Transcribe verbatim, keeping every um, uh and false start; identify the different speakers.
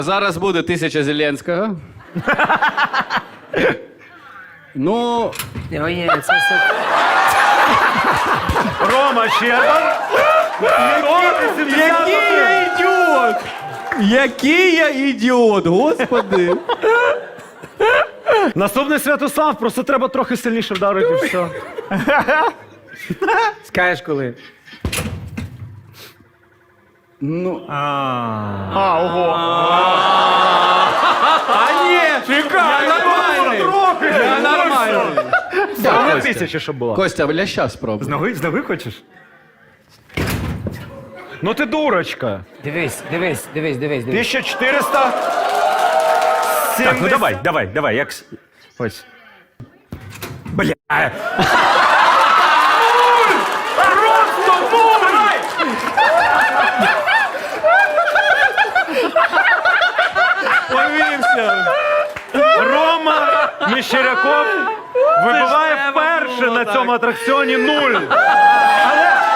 Speaker 1: Зараз буде тисяча Зеленського. Ну...
Speaker 2: Ой, ні, це все...
Speaker 3: Рома Щербан.
Speaker 1: Який я ідіот! Який я ідіот, господи!
Speaker 3: Наступний Святослав, просто треба трохи сильніше вдарити, і все.
Speaker 2: Скажеш коли?
Speaker 1: Ну...
Speaker 3: А, ого.
Speaker 1: А ні! Чекай, я нормальний! Я нормальний!
Speaker 3: Друга
Speaker 1: Костя.
Speaker 3: тисяча, щоб була.
Speaker 1: Костя, ляща спробуй.
Speaker 3: З ноги, з ноги хочеш? Ну ти дурочка.
Speaker 2: Дивись, дивись, дивись, дивись, дивись.
Speaker 3: тисяча чотириста сімдесят. Так, ну давай, давай, давай, як... с- Ось. Бля. Просто нуль!
Speaker 1: Повівся!
Speaker 3: Рома Мещеряков вибиває вперше на цьому атракціоні нуль. Але